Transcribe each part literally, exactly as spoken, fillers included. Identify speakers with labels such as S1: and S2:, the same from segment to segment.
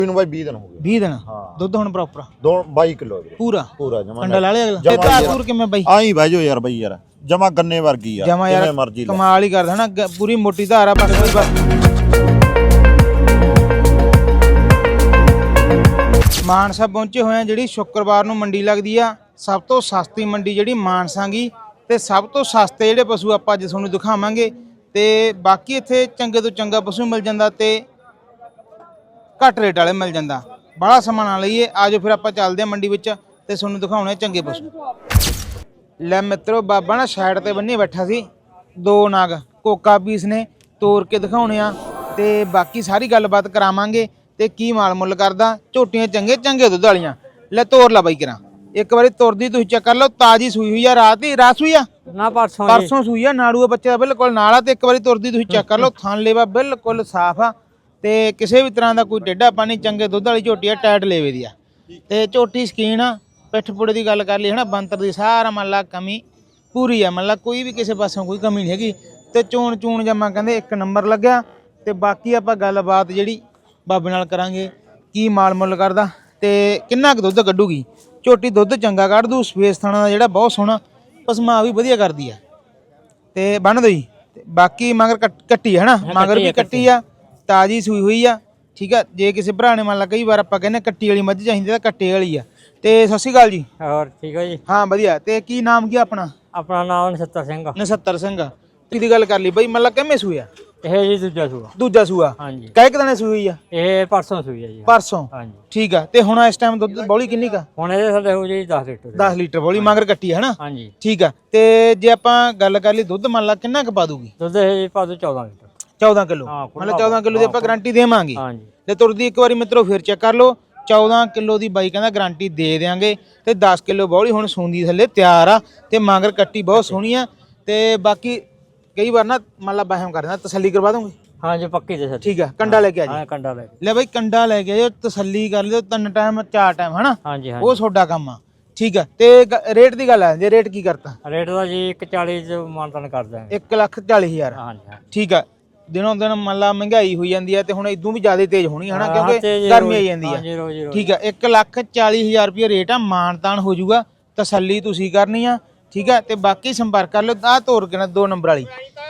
S1: ਬਾਈ ਵੀਹ ਦਿਨ ਹੋ ਗਏ।
S2: ਵੀਹ ਦਿਨ ਦੁੱਧ ਹੁਣ ਪ੍ਰੋਪਰ
S1: ਦੋ ਬਾਈ ਕਿਲੋ
S2: ਪੂਰਾ
S1: ਪੂਰਾ ਜਮਾ
S2: ਕੰਡਾ ਲਾ ਲਿਆ ਅਗਲਾ ਤੇ ਤਾਕੂਰ ਕਿਵੇਂ ਬਾਈ
S1: ਆਈ ਬਹਿ ਜਾਓ ਯਾਰ ਬਾਈ ਯਾਰ ਜਮਾ ਗੰਨੇ ਵਰਗੀ ਯਾਰ
S2: ਜਮਾ ਯਾਰ
S1: ਮਰਜ਼ੀ
S2: ਕਮਾਲ ਹੀ ਕਰਦਾ ਨਾ ਪੂਰੀ ਮੋਟੀ ਧਾਰ ਆ ਬਸ ਕੋਈ ਮਾਨਸਾ ਪਹੁੰਚੇ ਹੋਏ ਆ। ਜਿਹੜੀ ਸ਼ੁੱਕਰਵਾਰ ਨੂੰ ਮੰਡੀ ਲੱਗਦੀ ਆ ਸਭ ਤੋਂ ਸਸਤੀ ਮੰਡੀ ਜਿਹੜੀ ਮਾਨਸਾਂਗੀ ਤੇ ਸਭ ਤੋਂ ਸਸਤੇ ਜਿਹੜੇ ਪਸ਼ੂ ਆਪਾਂ ਅੱਜ ਤੁਹਾਨੂੰ ਦਿਖਾਵਾਂਗੇ ਤੇ ਬਾਕੀ ਇੱਥੇ ਚੰਗੇ ਤੋਂ ਚੰਗਾ ਪਸ਼ੂ ਮਿਲ ਜਾਂਦਾ ਤੇ ਘੱਟ ਰੇਟ ਵਾਲੇ ਮਿਲ ਜਾਂਦਾ। ਬੜਾ ਸਮਾਂ ਨਾ ਲਈਏ ਆਜੋ ਫਿਰ ਆਪਾਂ ਚੱਲਦੇ ਆ ਮੰਡੀ ਵਿੱਚ ਤੇ ਤੁਹਾਨੂੰ ਦਿਖਾਉਣੇ ਚੰਗੇ ਪਸ਼ੂ। ਲੈ ਮਿੱਤਰੋ ਬਾਬਾ ਨਾ ਸਾਈਡ ਤੇ ਬੰਨੀ ਬੈਠਾ ਸੀ ਦੋ ਨਾਗ ਕੋਕਾ ਪੀਸ ਨੇ ਤੋੜ ਕੇ ਦਿਖਾਉਣੇ ਆ ਤੇ ਬਾਕੀ ਸਾਰੀ ਗੱਲਬਾਤ ਕਰਾਵਾਂਗੇ ਤੇ ਕੀ ਮਾਲ ਮੁੱਲ ਕਰਦਾ। ਝੋਟੀਆਂ ਚੰਗੇ ਚੰਗੇ ਦੁੱਧ ਵਾਲੀਆਂ ਲੈ ਤੋਰ ਲਾ ਬਾਈ ਕਰਾਂ ਇੱਕ ਵਾਰੀ ਤੁਰਦੀ ਤੁਸੀਂ ਚੈੱਕ ਕਰ ਲਓ ਤਾਜੀ ਸੂਈ ਹੋਈ ਆ ਰਾਤ ਹੀ ਰਾਤ ਸੂਈ ਆ
S3: ਨਾ ਪਰਸੋਂ
S2: ਪਰਸੋਂ ਸੂਈ ਆ ਨਾੜੂ ਬੱਚੇ ਦਾ ਬਿਲਕੁਲ ਨਾਲ ਆ ਤੇ ਇੱਕ ਵਾਰੀ ਤੁਰਦੀ ਤੁਸੀਂ ਚੈੱਕ ਕਰ ਲਓ ਥਣ ਲੇਵਾ ਬਿਲਕੁਲ ਸਾਫ਼ ਆ ਤੇ ਕਿਸੇ ਵੀ ਤਰ੍ਹਾਂ ਦਾ ਕੋਈ ਟੇਢਾ ਪਾਣੀ ਚੰਗੇ ਦੁੱਧ ਵਾਲੀ ਝੋਟੀ ਆ ਟਾਈਟ ਲੇਵੇ ਦੀ ਆ ਤੇ ਝੋਟੀ ਸਕੀਨ ਆ ਪਿੱਠ ਪੁੜੇ ਦੀ ਗੱਲ ਕਰ ਲਈ ਹਨਾ ਬੰਤਰ ਦੀ ਸਾਰਾ ਮੰਨ ਲਾ ਕਮੀ ਪੂਰੀ ਆ ਮੰਨ ਲਾ ਕੋਈ ਵੀ ਕਿਸੇ ਪਾਸੋਂ ਕੋਈ ਕਮੀ ਨਹੀਂ ਹੈਗੀ ਤੇ ਚੋਣ ਚੂਣ ਜਮਾ ਕਹਿੰਦੇ ਇੱਕ ਨੰਬਰ ਲੱਗਿਆ ਤੇ ਬਾਕੀ ਆਪਾਂ ਗੱਲਬਾਤ ਜਿਹੜੀ ਬਾਬੇ ਨਾਲ ਕਰਾਂਗੇ ਕੀ ਮਾਲ ਮੁੱਲ ਕਰਦਾ ਤੇ ਕਿੰਨਾ ਕੁ ਦੁੱਧ ਕੱਢੂਗੀ। ਝੋਟੀ ਦੁੱਧ ਚੰਗਾ ਕੱਢ ਦੂ ਸਪੇਸ ਥਾਣਾ ਦਾ ਜਿਹੜਾ ਬਹੁਤ ਸੋਹਣਾ ਪਸਮਾ ਵੀ ਵਧੀਆ ਕਰਦੀ ਆ ਤੇ ਬੰਨ ਦੋ ਜੀ ਬਾਕੀ ਮਗਰ ਕੱਟੀ ਹੈ ਨਾ ਮਗਰ ਵੀ ਕੱਟੀ ਆ ਤਾਜੀ ਸੂਈ ਹੋਈ ਆ ਠੀਕ ਆ। ਜੇ ਕਿਸੇ ਭਰਾ ਨੇ ਮੰਨ ਲਾ ਕਈ ਵਾਰ ਆਪਾਂ ਕਹਿੰਦੇ ਕੱਟੀ ਵਾਲੀ ਮੱਝ ਚਾਹੀਦੀ ਤਾਂ ਕੱਟੇ ਵਾਲੀ ਆ ਤੇ ਸਤਿ ਸ਼੍ਰੀ ਅਕਾਲ ਜੀ।
S3: ਹੋਰ ਠੀਕ ਹੈ ਜੀ
S2: ਹਾਂ ਵਧੀਆ ਤੇ ਕੀ ਨਾਮ ਕੀ ਆਪਣਾ
S3: ਆਪਣਾ ਨਾਮ ਨਛੱਤਰ ਸਿੰਘ
S2: ਨਛੱਤਰ ਸਿੰਘ ਕਿਹਦੀ ਗੱਲ ਕਰ ਲਈ ਬਈ ਮੰਨ ਲਾ ਕਿਵੇਂ ਸੂਇਆ
S3: ਇਹ ਜੀ ਦੂਜਾ ਸੂਆ
S2: ਦੂਜਾ ਸੂਆ
S3: ਹਾਂਜੀ
S2: ਕਾਹ ਕਿਦਾਂ ਸੂਈ ਹੋਈ ਆ
S3: ਇਹ ਪਰਸੋਂ ਸੂਈ ਹੈ ਜੀ
S2: ਪਰਸੋਂ
S3: ਹਾਂਜੀ
S2: ਠੀਕ ਆ ਤੇ ਹੁਣ ਇਸ ਟਾਈਮ ਦੁੱਧ ਬੌਲੀ ਕਿੰਨੀ ਕਾ
S3: ਹੁਣ ਇਹਦੇ ਸਾਡੇ ਹੋ ਜੀ ਦਸ ਲੀਟਰ
S2: ਦਸ ਲੀਟਰ ਬੌਲੀ ਮਗਰ ਕੱਟੀ ਹੈ ਨਾ
S3: ਹਾਂਜੀ
S2: ਠੀਕ ਆ ਤੇ ਜੇ ਆਪਾਂ ਗੱਲ ਕਰ ਲਈ ਦੁੱਧ ਮੰਨ ਲਾ ਕਿੰਨਾ ਕੁ ਪਾ ਦੂਗੀ
S3: ਦੁੱਧ ਇਹ ਪਾ ਦੋ ਚੌਦਾਂ ਲੀਟਰ
S2: ਚੌਦਾਂ ਕਿਲੋ ਮਤਲਬ ਚੌਦਾਂ ਕਿਲੋ ਦੀ ਆਪਾਂ ਗਾਰੰਟੀ ਦੇਵਾਂਗੇ
S3: ਹਾਂਜੀ
S2: ਤੇ ਤੁਰਦੀ ਇੱਕ ਵਾਰੀ ਮਿੱਤਰੋ ਫਿਰ ਚੈੱਕ ਕਰ ਲਓ ਚੌਦਾਂ ਕਿਲੋ ਦੀ ਬਾਈ ਕਹਿੰਦਾ ਗਾਰੰਟੀ ਦੇ ਦੇਾਂਗੇ ਤੇ ਦਸ ਕਿਲੋ ਬੌਲੀ ਹੁਣ ਸੂੰਦੀ ਥੱਲੇ ਤਿਆਰ ਆ ਤੇ ਮਗਰ ਕੱਟੀ ਬਹੁਤ ਸੋਹਣੀ ਆ ਤੇ ਬਾਕੀ ਕਈ ਵਾਰ ਨਾ ਮੰਨ ਲਾ ਬਾਹਮ ਕਰ ਦਿੰਦਾ ਤਸੱਲੀ ਕਰਵਾ ਦੋਗੇ
S3: ਹਾਂਜੀ ਪੱਕੀ ਤੇ ਸਰ
S2: ਠੀਕ ਆ ਕੰਡਾ ਲੈ ਕੇ ਆ ਜੀ
S3: ਹਾਂ ਕੰਡਾ ਲੈ
S2: ਲੈ ਬਾਈ ਕੰਡਾ ਲੈ ਕੇ ਆਇਓ ਤਸੱਲੀ ਕਰ ਲਿਓ ਤਿੰਨ ਟਾਈਮ ਚਾਰ ਟਾਈਮ ਹਨਾ
S3: ਹਾਂਜੀ
S2: ਉਹ ਤੁਹਾਡਾ ਕੰਮ ਆ ਠੀਕ ਆ ਤੇ ਰੇਟ ਦੀ ਗੱਲ ਆ ਜੇ ਰੇਟ ਕੀ ਕਰਤਾ
S3: ਰੇਟ ਦਾ ਜੀ ਇੱਕ ਚਾਲੀ ਚ ਮਾਨਤਾਨ ਕਰ ਦਾਂਗੇ
S2: ਇੱਕ ਲੱਖ ਚਾਲੀ ਹਜ਼ਾਰ
S3: ਹਾਂਜੀ
S2: ਠੀਕ ਆ ਦਿਨੋਂ ਦਿਨ ਮੰਨ ਲਾ ਮਹਿੰਗਾਈ ਹੋਈ ਜਾਂਦੀ ਆ ਤੇ ਹੁਣ ਇਦੋਂ ਵੀ ਜ਼ਿਆਦਾ ਤੇਜ਼ ਹੋਣੀ ਹਨਾ ਕਿਉਂਕਿ ਗਰਮੀ ਆਈ ਜਾਂਦੀ ਆ ਠੀਕ ਆ ਇੱਕ ਲੱਖ ਚਾਲੀ ਹਜ਼ਾਰ ਰੁਪਏ ਰੇਟ ਆ ਮਾਨਤਾਨ ਹੋ ਜਾਊਗਾ ਤਸੱਲੀ ਤੁਸੀਂ ਕਰਨੀ ਆ ਠੀਕ ਆ ਤੇ ਬਾਕੀ ਸੰਪਰਕ ਕਰ ਲਿਓ ਆ ਤੋਰ ਕੇ ਨਾ ਦੋ ਨੰਬਰ ਵਾਲੀ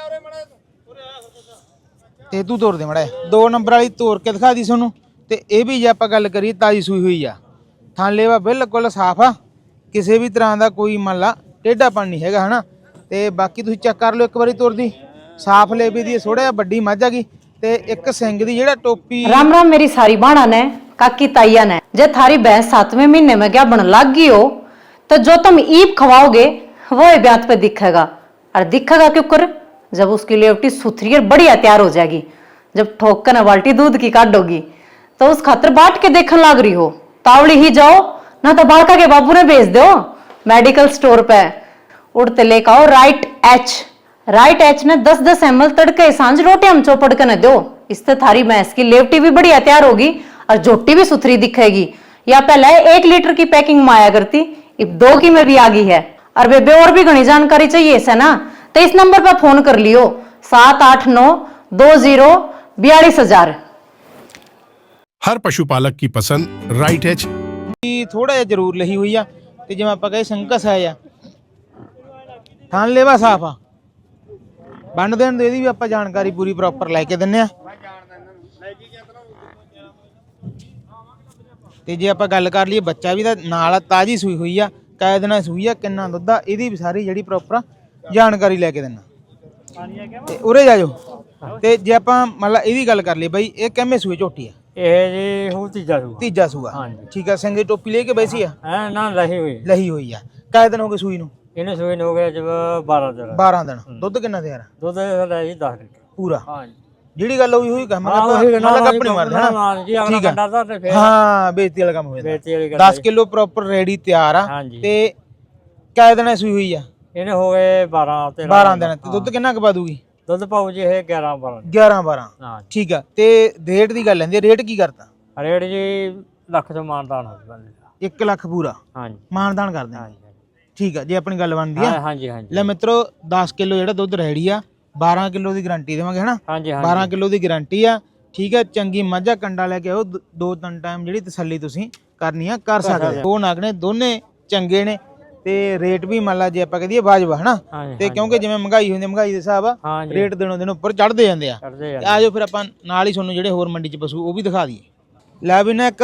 S2: ਤੇ ਤੂੰ ਤੋਰ ਦੇ ਮੜਾ ਦੋ ਨੰਬਰ ਵਾਲੀ ਤੋਰ ਕੇ ਦਿਖਾ ਦੀ ਤੁਹਾਨੂੰ ਤੇ ਇਹ ਵੀ ਜੇ ਆਪਾਂ ਗੱਲ ਕਰੀਏ ਤਾਜੀ ਸੂਈ ਹੋਈ ਆ ਥਣ ਲੇਵਾ ਬਿਲਕੁਲ ਸਾਫ਼ ਆ ਕਿਸੇ ਵੀ ਤਰ੍ਹਾਂ ਦਾ ਕੋਈ ਮੰਨ ਲਾ ਟੇਢਾ ਪਣ ਨਹੀਂ ਹੈਗਾ ਹਨਾ ਤੇ ਬਾਕੀ ਤੁਸੀਂ ਚੈੱਕ ਕਰ ਲਿਓ ਇੱਕ ਵਾਰੀ ਤੋਰਦੀ ਸਾਫ਼ ਲੇਵੇ ਦੀ ਥੋੜਾ ਜਿਹਾ ਵੱਡੀ ਮੱਝ ਹੈਗੀ ਤੇ ਇੱਕ ਸਿੰਘ ਦੀ ਜਿਹੜਾ ਟੋਪੀ
S4: राम राम मेरी सारी बाणा ने काकी ताइया ने जे थारी भैंस सातवें महीने में क्या बन लग गई हो तो जो तुम ईप खवाओगे वो ब्यात पे दिखेगा और दिखेगा क्यों कर जब उसकी लेवटी सुथरी और बढ़िया तैयार हो जाएगी जब ठोक कर बाल्टी दूध की काटोगी तो उस खातर बाट के देखने लग रही हो तावड़ी ही जाओ ना तो बालका के बाबू ने भेज दो मेडिकल स्टोर पे उड़ते लेकर आओ राइट एच राइट एच ने दस दस एम एल तड़के सांझ रोटी हम चौपड़ के न दो इससे थारी भैंस की लेवटी भी बढ़िया तैयार होगी और झोटी भी सुथरी दिखेगी। या पहले एक लीटर की पैकिंग में आया करती अब दो की में भी आ गई है और बेबे और भी घनी जानकारी चाहिए इसे ना तो इस नंबर पर फोन कर लियो सात आठ नौ दो जीरो बयालीस हजार।
S5: हर पशुपालक की पसंद राइट एच
S2: ਥੋੜਾ ਜਿਹਾ ਜ਼ਰੂਰ ਲਹੀ ਹੋਈ ਆ ਤੇ ਜਿਵੇਂ ਆਪਾਂ ਕਹੇ ਸੰਕਸ ਆ ਆ ਥਣ ਲੇਵਾ ਸਾਫ ਆ ਬੰਨ ਦੇਣ ਦੇ ਇਹਦੀ ਵੀ ਆਪਾਂ ਜਾਣਕਾਰੀ ਪੂਰੀ ਪ੍ਰੋਪਰ ਲੈ ਕੇ ਦਿੰਨੇ ਆ ਤੇ ਜੇ ਆਪਾਂ ਗੱਲ ਕਰ ਲਈਏ ਬੱਚਾ ਵੀ ਤਾਂ ਨਾਲ ਤਾਜੀ ਸੂਈ ਹੋਈ ਆ ਕਾਇ ਦਿਨਾਂ ਸੂਈ ਆ ਕਿੰਨਾ ਦੁੱਧ ਆ ਇਹਦੀ ਵੀ ਸਾਰੀ ਜਿਹੜੀ ਪ੍ਰੋਪਰ ਜਾਣਕਾਰੀ ਲੈ ਕੇ ਦਿੰਨਾ ਤੇ ਉਰੇ ਜਾ ਜਾਓ ਤੇ ਜੇ ਆਪਾਂ ਮੰਨ ਲਾ ਇਹਦੀ ਗੱਲ ਕਰ ਲਈਏ ਬਾਈ ਇਹ ਕਿੰਨੇ ਸੂਏ ਝੋਟੀ ਆ
S3: ਇਹ ਜੀ ਹੋ ਤੀਜਾ ਸੂਆ
S2: ਤੀਜਾ ਸੂਆ
S3: ਹਾਂਜੀ
S2: ਠੀਕ ਆ ਸਿੰਘ ਦੀ ਟੋਪੀ ਲੈ ਕੇ ਬੈਸੀ ਆ
S3: ਹੈ ਨਾ ਲਹੀ ਹੋਈ
S2: ਲਹੀ ਹੋਈ ਆ ਕਾਇ ਦਿਨ ਹੋ ਗਏ ਸੂਈ ਨੂੰ
S3: ਇਹਨੇ ਸੂਈ ਨੂੰ ਹੋ ਗਿਆ ਜਬ ਬਾਰਾਂ ਦਿਨ
S2: ਬਾਰਾਂ ਦਿਨ ਦੁੱਧ ਕਿੰਨਾ ਤਿਆਰ
S3: ਦੁੱਧ ਸਾਡਾ ਜੀ ਦਸ ਲੀਟਰ
S2: ਪੂਰਾ
S3: ਹਾਂਜੀ
S2: ਜਿਹੜੀ ਗੱਲ ਹੋਈ ਹੋਈ ਕੰਮ
S3: ਹਾਂ ਉਹੀ ਨਾ
S2: ਕੱਪ ਨਹੀਂ ਮਾਰਦਾ
S3: ਹਾਂ ਜੀ ਅਗਲਾ ਕੰਡਾ ਦਾ ਤੇ ਫੇਰ
S2: ਹਾਂ ਬੇਇੱਜ਼ਤੀ ਵਾਲਾ ਕੰਮ ਹੋਇਆ
S3: ਬੇਇੱਜ਼ਤੀ ਵਾਲੀ ਗੱਲ
S2: ਦਸ ਕਿਲੋ ਪ੍ਰੋਪਰ ਰੈਡੀ ਤਿਆਰ ਆ
S3: ਹਾਂਜੀ
S2: ਤੇ ਕਾਇ ਦਿਨ ਸੂਈ ਹੋਈ ਆ
S3: ਇਹਨੇ ਹੋ ਗਏ ਬਾਰਾਂ ਤੇ
S2: ਬਾਰਾਂ ਦਿਨ ਤੇ ਦੁੱਧ ਕਿੰਨਾ ਕੁ ਪਾ ਦੂਗੀ
S3: ਦੁੱਧ ਪਾਉ ਜੀ ਇਹ ਗਿਆਰਾਂ ਬਾਰਾਂ
S2: ਗਿਆਰਾਂ ਬਾਰਾਂ
S3: ਹਾਂ
S2: ਠੀਕ ਆ ਤੇ ਰੇਟ ਦੀ ਗੱਲ ਲੈਂਦੀ ਰੇਟ ਕੀ ਕਰਤਾ
S3: ਰੇਟ ਜੀ ਲੱਖ ਤੋਂ ਮਾਨਦਾਨ ਹੋ ਜਾਂਦਾ
S2: ਇੱਕ ਲੱਖ ਪੂਰਾ
S3: ਹਾਂਜੀ
S2: ਮਾਨਦਾਨ ਕਰਦੇ ਆ ਠੀਕ ਆ ਜੇ ਆਪਣੀ ਗੱਲ ਬਣਦੀ ਆ
S3: ਹਾਂਜੀ ਹਾਂਜੀ
S2: ਲੈ ਮਿੱਤਰੋ ਦਸ ਕਿਲੋ ਜਿਹੜਾ ਦੁੱਧ ਰੈਡੀ ਆ ਬਾਰਾਂ ਕਿਲੋ ਦੀ ਗਾਰੰਟੀ ਦੇਵਾਂਗੇ ਹਨਾ
S3: ਹਾਂਜੀ
S2: ਬਾਰਾਂ ਕਿਲੋ ਦੀ ਗਾਰੰਟੀ ਆ ਠੀਕ ਹੈ। ਚੰਗੀ ਮਾਝਾ ਕੰਡਾ ਲੈ ਕੇ ਆਓ, ਦ- ਦੋ ਤਿੰਨ ਟਾਈਮ ਜਿਹੜੀ ਤਸੱਲੀ ਤੁਸੀਂ ਕਰਨੀ ਆ ਕਰ ਸਕਦੇ ਹੋ। ਦੋ ਨਗ ਨੇ, ਦੋਨੇ ਚੰਗੇ ਨੇ ਤੇ ਰੇਟ ਵੀ ਮੰਨ ਲਾ ਜੇ ਆਪਾਂ ਕਹਦੀਏ ਵਾਜਬ ਹਨਾ।
S3: ਹਾਂਜੀ,
S2: ਤੇ ਕਿਉਂਕਿ ਜਿਵੇਂ ਮਹਿੰਗਾਈ ਹੁੰਦੀ, ਮਹਿੰਗਾਈ ਦੇ ਹਿਸਾਬ ਆ
S3: ਹਾਂਜੀ
S2: ਰੇਟ ਦਿਨੋਂ ਦਿਨ ਉੱਪਰ ਚੜ੍ਹਦੇ ਜਾਂਦੇ ਆ।
S3: ਕਰਦੇ
S2: ਤੇ ਆਜੋ ਫਿਰ ਆਪਾਂ ਨਾਲ ਹੀ ਤੁਹਾਨੂੰ ਜਿਹੜੇ ਹੋਰ ਮੰਡੀ 'ਚ ਪਸ਼ੂ ਉਹ ਵੀ ਦਿਖਾ ਦਈਏ। ਲੈ ਵੀ ਨਾ ਇੱਕ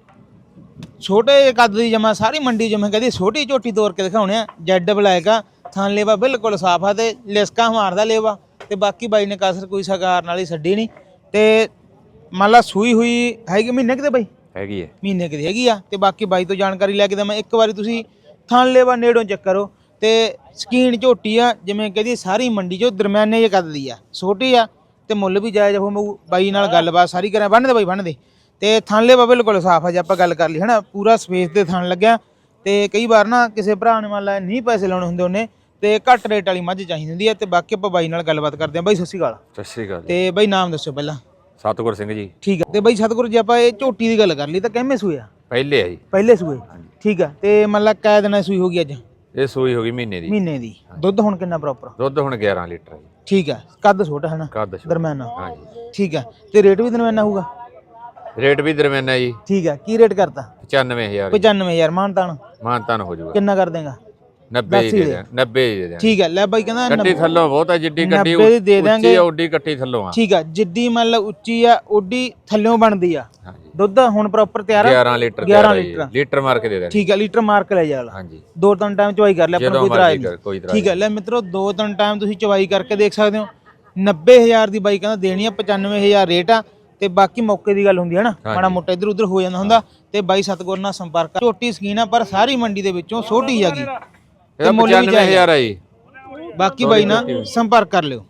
S2: ਛੋਟੇ ਜਿਹੇ ਕੱਦ ਦੀ ਜਮਾ ਸਾਰੀ ਮੰਡੀ ਜਿਵੇਂ ਕਹਦੀ ਛੋਟੀ ਝੋਟੀ ਤੋੜ ਕੇ ਦਿਖਾਉਣੇ ਆ। ਜੈਡ ਬਲੈਕ ਆ, ਥਣ ਲੇਵਾ ਬਿਲਕੁਲ ਸਾਫ ਆ ਤੇ ਲਿਸਕਾ ਮਾਰਦਾ ਲੇਵਾ। ਤੇ ਬਾਕੀ ਬਾਈ ਨੇ ਕਸਰ ਕੋਈ ਸਗਾਰ ਨਾਲ ਹੀ ਛੱਡੀ ਨਹੀਂ। ਤੇ ਮੰਨ ਲਾ ਸੂਈ ਹੋਈ ਹੈਗੀ ਮਹੀਨੇ ਕਿਤੇ ਬਾਈ,
S6: ਹੈਗੀ ਹੈ
S2: ਮਹੀਨੇ ਕਿਤੇ ਹੈਗੀ ਆ। ਤੇ ਬਾਕੀ ਬਾਈ ਤੋਂ ਜਾਣਕਾਰੀ ਲੈ ਕੇ ਦਵਾਂ। ਇੱਕ ਵਾਰੀ ਤੁਸੀਂ ਥਣ ਲੇਵਾ ਨੇੜੋਂ ਚੈੱਕ ਕਰੋ। ਤੇ ਸਕੀਨ ਝੋਟੀ ਆ ਜਿਵੇਂ ਕਹਦੀ ਸਾਰੀ ਮੰਡੀ 'ਚੋਂ ਦਰਮਿਆਨੇ ਜਿਹੇ ਕੱਦ ਦੀ ਆ, ਛੋਟੀ ਆ ਤੇ ਮੁੱਲ ਵੀ ਜਾਇਜ਼ ਹੋ। ਬਾਈ ਨਾਲ ਗੱਲਬਾਤ ਸਾਰੀ ਕਰਾਂ। ਬੰਨ੍ਹ ਦੇ ਬਾਈ ਬੰਨ੍ਹ ਦੇ। ਤੇ ਥਣ ਲੇਵਾ ਬਿਲਕੁਲ ਸਾਫ ਆ। ਜੇ ਆਪਾਂ ਗੱਲ ਕਰ ਲਈ ਹੈ ਨਾ, ਪੂਰਾ ਸਪੇਸ ਤੇ ਥਣ ਲੱਗਿਆ। ਤੇ ਕਈ ਵਾਰ ਨਾ ਕਿਸੇ ਭਰਾ ਨੇ ਮੰਨ ਲਾ ਨਹੀਂ ਪੈਸੇ ਲਾਉਣੇ ਹੁੰਦੇ ਉਹਨੇ ਤੇ ਘੱਟ ਰੇਟ ਵਾਲੀ ਮੱਝ ਚਾਹੀਦੀ ਹੁੰਦੀ ਹੈ। ਤੇ ਬਾਕੀ ਆਪਾਂ ਬਾਈ ਨਾਲ ਗੱਲਬਾਤ ਕਰਦੇ ਹਾਂ। ਬਾਈ ਸਤਿ ਸ਼੍ਰੀ ਅਕਾਲ।
S6: ਸਤਿ ਸ਼੍ਰੀ ਅਕਾਲ ਜੀ।
S2: ਤੇ ਬਾਈ ਨਾਮ ਦੱਸੋ ਪਹਿਲਾਂ।
S6: ਸਤਿਗੁਰ ਸਿੰਘ ਜੀ।
S2: ਠੀਕ ਹੈ। ਤੇ ਬਾਈ ਸਤਿਗੁਰ ਜੀ ਆਪਾਂ ਇਹ ਝੋਟੀ ਦੀ ਗੱਲ ਕਰ ਲਈ ਤਾਂ ਕਿੰਨੇ ਸੂਏ ਆ?
S6: ਪਹਿਲੇ ਆ ਜੀ।
S2: ਪਹਿਲੇ ਸੂਏ। ਠੀਕ ਆ। ਤੇ ਮੰਨ ਲਾ ਕੈ ਦਿਨਾਂ ਦੀ ਸੂਈ ਹੋ ਗਈ ਅੱਜ?
S6: ਇਹ ਸੂਈ ਹੋ ਗਈ ਮਹੀਨੇ ਦੀ।
S2: ਮਹੀਨੇ ਦੀ। ਦੁੱਧ ਹੁਣ ਕਿੰਨਾ ਪ੍ਰੋਪਰ?
S6: ਦੁੱਧ ਹੁਣ ਗਿਆਰਾਂ ਲੀਟਰ ਹੈ ਜੀ।
S2: ਠੀਕ ਆ। ਕੱਦ ਛੋਟਾ ਹੈ ਨਾ,
S6: ਕੱਦ ਛੋਟਾ।
S2: ਦਰਮਿਆਨਾ।
S6: ਹਾਂਜੀ।
S2: ਠੀਕ ਆ। ਤੇ ਰੇਟ ਵੀ ਦਰਮਿਆਨਾ ਹੋਊਗਾ?
S6: ਰੇਟ ਵੀ ਦਰਮਿਆਨਾ ਜੀ।
S2: ਠੀਕ ਆ। ਕੀ ਰੇਟ ਕਰਤਾ?
S6: ਪਚਾਨਵੇਂ ਹਜ਼ਾਰ।
S2: ਪਚਾਨਵੇਂ ਹਜ਼ਾਰ ਮਾਨਤਾਨ?
S6: ਮਾਨਤਾਨ ਹੋ ਜਾਊਗਾ।
S2: ਕਿੰਨਾ ਕਰ ਦੇਗਾ?
S6: ਨੱਬੇ ਹੀ ਦੇ ਦਿਆਂ। ਨੱਬੇ ਹੀ ਦੇ ਦਿਆਂ।
S2: ਠੀਕ ਆ। ਲੈ ਬਾਈ ਕਹਿੰਦਾ
S6: ਕੱਟੀ ਥੱਲੋਂ ਬਹੁਤ ਆ, ਜਿੱਡੀ ਕੱਟੀ
S2: ਨੱਬੇ ਦੀ ਦੇ ਦਾਂਗੇ।
S6: ਉੱਚੀ ਆ ਓਡੀ ਕੱਟੀ ਥੱਲੋਂ ਆ।
S2: ਠੀਕ ਆ। ਜਿੱਡੀ ਮੰਨ ਲਾ ਉੱਚੀ ਆ ਓਡੀ ਥੱਲਿਓਂ ਬਣਦੀ ਆ।
S6: ਹਾਂਜੀ।
S2: ਦੁੱਧ ਹੁਣ ਪ੍ਰੋਪਰ ਤਿਆਰ ਆ?
S6: ਗਿਆਰਾਂ ਲੀਟਰ।
S2: ਗਿਆਰਾਂ ਲੀਟਰ।
S6: ਲੀਟਰ ਮਾਰ ਕੇ ਦੇ ਦੇਣਾ।
S2: ਠੀਕ ਆ। ਲੀਟਰ ਮਾਰ ਕੇ ਲੈ ਜਾ ਲਾ।
S6: ਹਾਂਜੀ।
S2: ਦੋ ਤਿੰਨ ਟਾਈਮ ਚਵਾਈ ਕਰ ਲੈ, ਆਪਣਾ ਕੋਈ ਇਤਰਾਜ਼ ਨਹੀਂ।
S6: ਕੋਈ ਇਤਰਾਜ਼
S2: ਠੀਕ ਹੈ। ਲੈ ਮਿੱਤਰੋ ਦੋ ਤਿੰਨ ਟਾਈਮ ਤੁਸੀਂ ਚਵਾਈ ਕਰਕੇ ਦੇਖ ਸਕਦੇ ਹੋ। ਨੱਬੇ ਹਜ਼ਾਰ ਦੀ ਬਾਈ ਕਹਿੰਦਾ ਦੇਣੀ ਆ, ਪਚਾਨਵੇਂ ਹਜ਼ਾਰ ਰੇਟ ਆ। ਤੇ ਬਾਕੀ ਮੌਕੇ ਦੀ ਗੱਲ ਹੁੰਦੀ ਹੈ ਨਾ, ਮਾੜਾ ਮੋਟਾ ਇੱਧਰ ਉੱਧਰ ਹੋ ਜਾਂਦਾ ਹੁੰਦਾ। ਤੇ ਬਾਈ ਸਤਗੁਰ ਨਾਲ ਸੰਪਰਕ ਕਰ। ਝੋਟੀ ਸਕੀਨ ਆ ਪਰ ਸਾਰੀ ਮੰਡੀ ਦੇ ਵਿੱਚੋਂ ਛੋਟੀ ਹੈਗੀ।
S6: ਇਹ ਪਚਾਨਵੇਂ ਹਜ਼ਾਰ ਆ ਜੀ।
S2: ਬਾਕੀ ਬਾਈ ਨਾਲ ਸੰਪਰਕ ਕਰ ਲਿਓ।